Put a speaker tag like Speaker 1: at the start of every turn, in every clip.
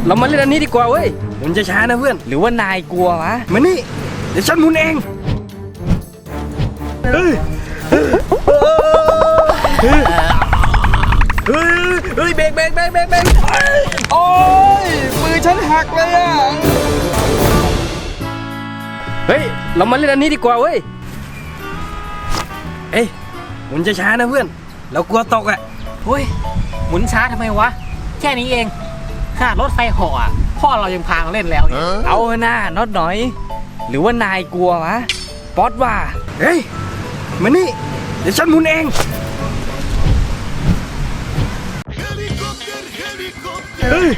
Speaker 1: เรามาเล่นอันนี้ดีกว่าเว้ยหมุนช้าๆนะเพื่อน
Speaker 2: หรือว่านายกลัววะ
Speaker 1: มานี่เดี๋ยวฉันหมุนเองเฮ้ยเบรกโอ้ยมือฉันหักเลยอ่ะเฮ้ยเรามาเล่นอันนี้ดีกว่าเว้ยเอ้ยหมุนช้าๆนะเพื่อนเรากลัวตกอ่ะ
Speaker 2: เฮ้ยหมุนช้าทำไมวะแค่นี้เองขนาดรถไฟเหาะอ่ะพ่อเรายังพามาเล่นแล้วเนี่ยเอาหน้าน็อตหน่อยหรือว่านายกลัววะป๊อตว่า
Speaker 1: เฮ้ยมานี่เดี๋ยวฉันหมุนเองเฮ้ย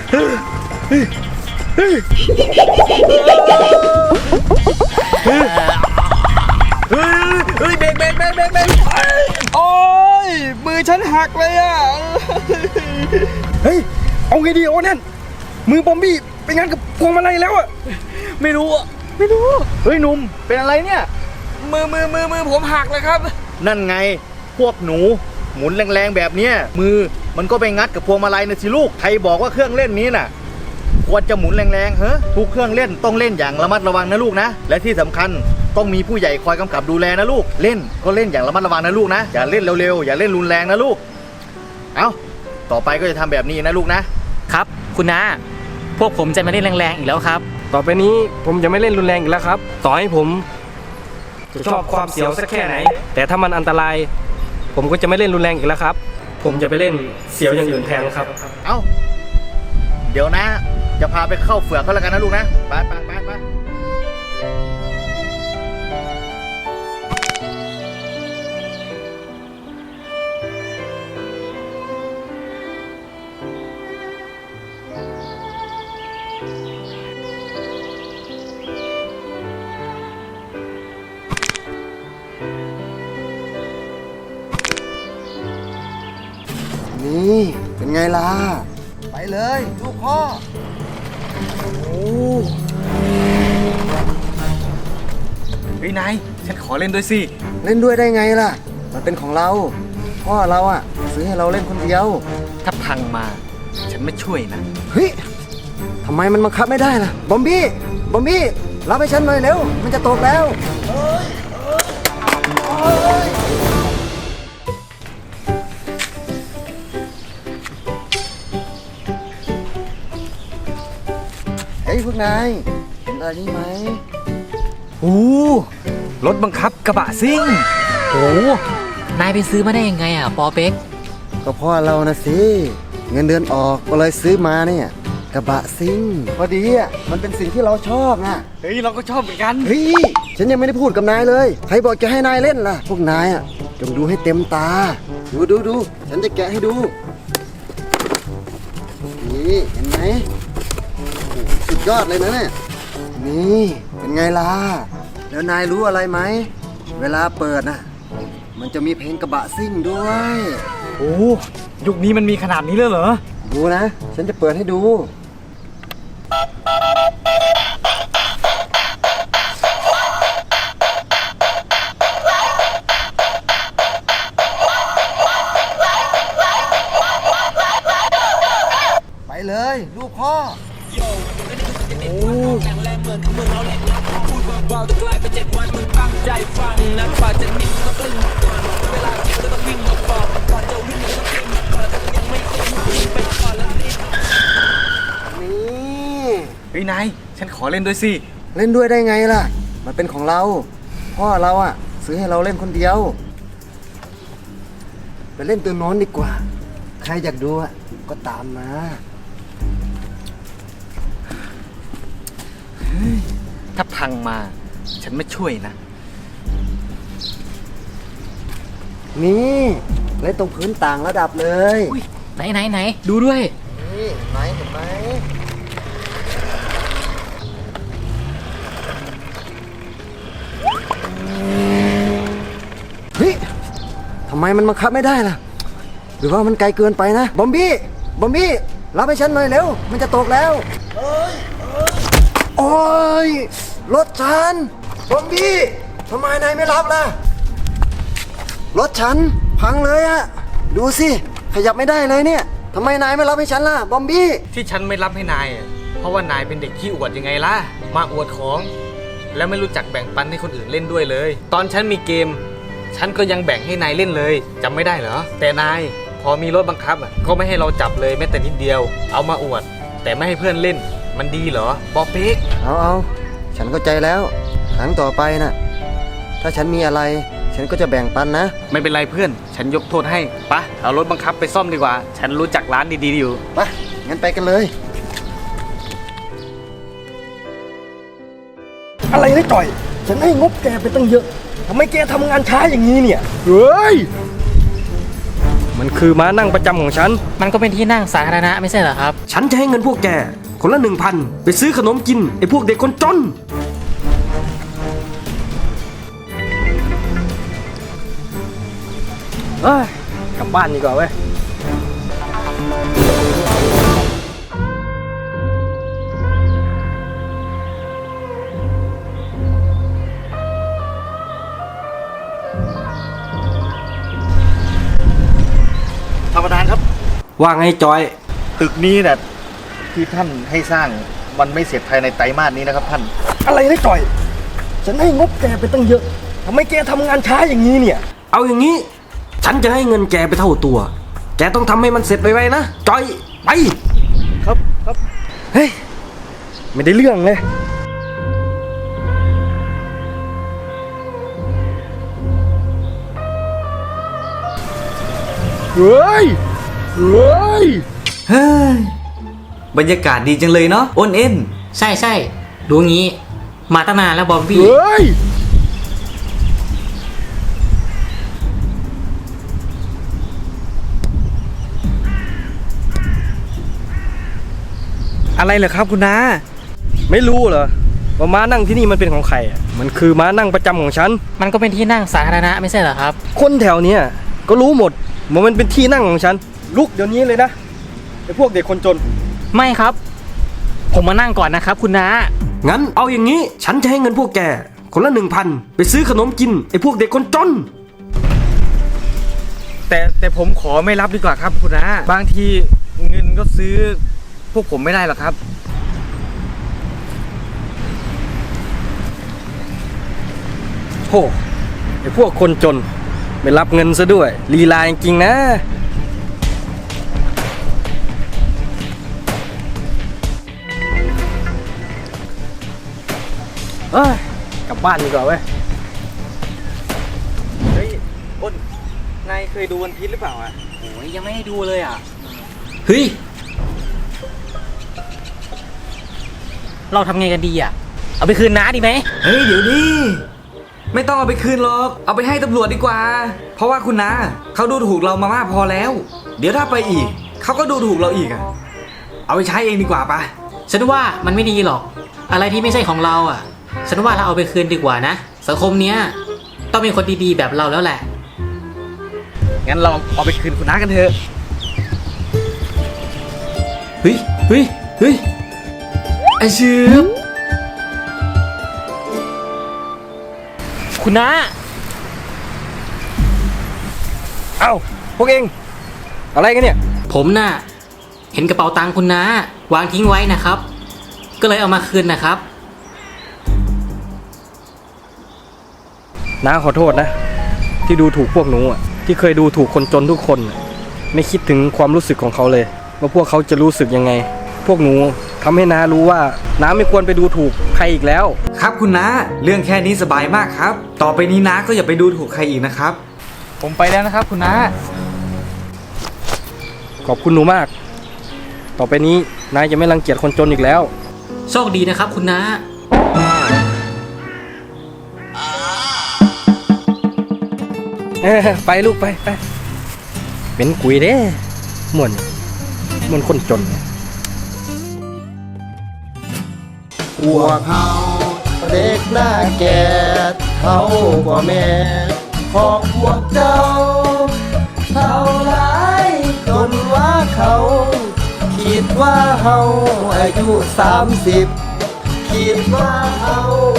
Speaker 1: เบรกโอ้ยมือฉันหักเลยอ่ะเฮ้ยเอาไงดีโอ้นั่นมือบอมบี้ไปงานกับพวงมาลัยแล้วอ่ะ
Speaker 2: ไม่รู้เฮ้ยหนุ่มเป็นอะไรเนี่ย
Speaker 1: มือผมหักเลยครับ
Speaker 3: นั่นไงพวกหนูหมุนแรงๆแบบนี้มือมันก็ไปงัดกับพวงมาลัยนะสิลูกใครบอกว่าเครื่องเล่นนี้น่ะควรจะหมุนแรงๆเฮ้ทุกเครื่องเล่นต้องเล่นอย่างระมัดระวังนะลูกนะและที่สำคัญต้องมีผู้ใหญ่คอยกำกับดูแลนะลูกเล่นก็เล่นอย่างระมัดระวังนะลูกนะอย่าเล่นเร็วๆอย่าเล่นรุนแรงนะลูกเอาต่อไปก็จะทำแบบนี้นะลูกนะครับ
Speaker 2: คุณน้าพวกผมจะไม่เล่นแรงๆอีกแล้วครับ
Speaker 1: ต่อไปนี้ผมจะไม่เล่นรุนแรงอีกแล้วครับต่อให้ผมจะชอบความเสียวสักแค่ไหนแต่ถ้ามันอันตรายผมก็จะไม่เล่นรุนแรงอีกแล้วครับผมจะไปเล่นเสียวอย่างอื่นแทนครับ
Speaker 3: เอาเดี๋ยวนะจะพาไปเข้าเฝือกเขาแล้วกันนะลูกนะไป
Speaker 4: นี่เป็นไงล่ะไปเลยลูกพ่อโอ้
Speaker 3: เฮ้ยนายฉันขอเล่นด้วยสิ
Speaker 4: เล่นด้วยได้ไงล่ะมันเป็นของเราพ่อเราอ่ะซื้อให้เราเล่นคนเดียว
Speaker 3: ถ้าพังมาฉันไม่ช่วยนะ
Speaker 4: เฮ้ยทำไมมันบังคับไม่ได้ล่ะบอมบี้รับให้ฉันหน่อยเร็วมันจะตกแล้วเฮ้ยพวกนายเห็นอะไรนี่ไหม
Speaker 2: โอ้รถบังคับกระบะซิ่งโอ้นายไปซื้อมาได้ยังไงอ่ะปอเป็ก
Speaker 4: ก็พ่อเรานะสิเงินเดือนออกก็เลยซื้อมาเนี่ยกระบะซิ่งพอดีอ่ะมันเป็นสิ่งที่เราชอบนะ
Speaker 2: เฮ้ยเราก็ชอบเหมือนกัน
Speaker 4: เฮ้ยฉันยังไม่ได้พูดกับนายเลยใครบอกจะให้นายเล่นล่ะพวกนายอ่ะจงดูให้เต็มตาดูฉันจะแกะให้ดูนี่เห็นไหมสุดยอดเลยนะเนี่ยนี่เป็นไงล่ะแล้วนายรู้อะไรไหมเวลาเปิดน่ะมันจะมีเพลงกระบะซิ่งด้วย
Speaker 2: โอ้ยุคนี้มันมีขนาดนี้เลยเหรอ
Speaker 4: ดูนะฉันจะเปิดให้ดูไปเลยลูกพ่อ
Speaker 3: เฮ้ยนายฉันขอเล่นด้วยสิ
Speaker 4: เล่นด้วยได้ไงล่ะมันเป็นของเราพ่อเราอ่ะซื้อให้เราเล่นคนเดียวไปเล่นตัวโน้นดีกว่าใครอยากดูอ่ะก็ตามมา
Speaker 3: ถ้าพังมาฉันไม่ช่วยนะ
Speaker 4: นี่เล่นตรงพื้นต่างระดับเลย
Speaker 2: ไหนดูด้วย
Speaker 4: นี่เห็นไหมเฮ้ยทำไมมันบังคับไม่ได้ล่ะหรือว่ามันไกลเกินไปนะบอมบี้รับให้ฉันหน่อยเร็วมันจะตกแล้วโอ้ยรถฉันบอมบี้ทำไมนายไม่รับล่ะรถฉันพังเลยอะดูสิขยับไม่ได้เลยเนี่ยทำไมนายไม่รับให้ฉันล่ะบอมบี้
Speaker 2: ที่ฉันไม่รับให้นายอะเพราะว่านายเป็นเด็กขี้อวดยังไงล่ะ มาอวดของ แล้วไม่รู้จักแบ่งปันให้คนอื่นเล่นด้วยเลย ตอนฉันมีเกม ฉันก็ยังแบ่งให้นายเล่นเลยจำไม่ได้เหรอ แต่นายพอมีรถบังคับอะก็ไม่ให้เราจับเลยแม้แต่นิดเดียว เอามาอวด แต่ไม่ให้เพื่อนเล่น มันดีเหรอปอเป๊ก
Speaker 4: เอาฉันเข้าใจแล้วครั้งต่อไปนะถ้าฉันมีอะไร ฉันก็จะแบ่งปันนะ
Speaker 2: ไม่เป็นไรเพื่อน ฉันยกโทษให้ปะเอารถบังคับไปซ่อมดีกว่า ฉันรู้จักร้านดีๆอยู่
Speaker 4: ไปงั้นไปกันเลย
Speaker 1: อะไรนะจ่อย ฉันให้งบแกไปตั้งเยอะทำไมแกทำงานช้าอย่างนี้เนี่ยเฮ้ยมันคือม้านั่งประจำของฉัน
Speaker 2: มันก็เป็นที่นั่งสาธารณะไม่ใช่เหรอครับ
Speaker 1: ฉันจะให้เงินพวกแกคนละ 1,000 ไปซื้อขนมกินไอ้พวกเด็กคนจนเอ้ยกลับบ้านดีกว่าเว้ย
Speaker 3: ท่านประธานครับ
Speaker 1: ว่าไงจอย
Speaker 3: ตึกนี้น่ะที่ท่านให้สร้างมันไม่เสร็จภายในไตรมาสนี้นะครับท่าน
Speaker 1: อะไรนะจอย ฉันให้งบแกไปตั้งเยอะทำไมแกทำงานช้าอย่างนี้เนี่ย เอาอย่างนี้ ฉันจะให้เงินแกไปเท่าตัว แกต้องทำให้มันเสร็จไวๆนะจอยไป
Speaker 3: ครับครับ
Speaker 1: เฮ้ยไม่ได้เรื่องเลยเฮ้ยเฮ้ย
Speaker 2: เฮ้ยบรรยากาศดีจังเลยเนาะอ้นเอ็นใช่ใช่ดูงี้ มาตั้งนานแล้วบอมบี้
Speaker 1: เฮ้ยอะไรเหรอครับคุณน้าไม่รู้เหรอว่าม้านั่งที่นี่มันเป็นของใครอ่ะมันคือม้านั่งประจำของฉัน
Speaker 2: มันก็เป็นที่นั่งสาธารณะไม่ใช่เหรอครับ
Speaker 1: คนแถวเนี้ยก็รู้หมดว่ามันเป็นที่นั่งของฉันลุกเดี๋ยวนี้เลยนะไอ้พวกเด็กคนจน
Speaker 2: ไม่ครับ ผมมานั่งก่อนนะครับคุณน้า
Speaker 1: งั้นเอาอย่างนี้ ฉันจะให้เงินพวกแกคนละ 1,000 ไปซื้อขนมกินไอ้พวกเด็กคนจน
Speaker 2: แต่ผมขอไม่รับดีกว่าครับคุณน้าบางทีเงินก็ซื้อพวกผมไม่ได้หรอกครับ
Speaker 1: โหไอ้พวกคนจนไม่รับเงินซะด้วยลีลาจริงๆนะเอ้ยกลับบ้านดีกว่าเว้ย
Speaker 2: เฮ้ยอ้นนายเคยดูวันพีชหรือเปล่าอ่ะโอ้ยยังไม่ได้ดูเลยอ่ะเฮ้ยเราทำไงกันดีอ่ะเอาไปคืนน้าดีไหม
Speaker 5: เฮ้ยเดี๋ยวดิไม่ต้องเอาไปคืนหรอกเอาไปให้ตำรวจดีกว่า เพราะว่าคุณนาเขาดูถูกเรามามากพอแล้ว เดี๋ยวถ้าไปอีกเขาก็ดูถูกเราอีกอะเอาไปใช้เองดีกว่าปะ
Speaker 2: ฉันว่ามันไม่ดีหรอก อะไรที่ไม่ใช่ของเราอ่ะ ฉันว่าเราเอาไปคืนดีกว่านะสังคมเนี้ยต้องเป็นคนดีๆแบบเราแล้วแหละ
Speaker 5: งั้นเราเอาไปคืนคุณน้ากันเถอะ
Speaker 2: เฮ้ยเฮ้ยเฮ้ย
Speaker 5: ไอเชือบ
Speaker 2: คุณน้า
Speaker 1: เอ้าพวกเองอะไรกันเนี่ย
Speaker 2: ผมน่ะเห็นกระเป๋าตังค์คุณน้าวางทิ้งไว้นะครับ ก็เลยเอามาคืนนะครับ
Speaker 1: น้าขอโทษนะ ที่ดูถูกพวกหนูอ่ะที่เคยดูถูกคนจนทุกคนน่ะไม่คิดถึงความรู้สึกของเขาเลยว่าพวกเขาจะรู้สึกยังไง พวกหนูทำให้น้ารู้ว่าน้าไม่ควรไปดูถูกใครอีกแล้ว
Speaker 5: ครับคุณน้าเรื่องแค่นี้สบายมากครับ ต่อไปนี้น้าก็อย่าไปดูถูกใครอีกนะครับ
Speaker 2: ผมไปแล้วนะครับ คุณน้า
Speaker 1: ขอบคุณหนูมาก ต่อไปนี้นายจะไม่รังเกียจคนจนอีกแล้ว
Speaker 2: โชคดีนะครับ คุณน้า
Speaker 1: ไปลูกไปเป็นกุยเด้เหมือนคนจน
Speaker 4: พวกเขาเด็กหน้าแก่เท่ากว่าแม่ของพวกเจ้าเท่าไรจนว่าเขาคิดว่าเฮาอายุ30คิดว่าเฮา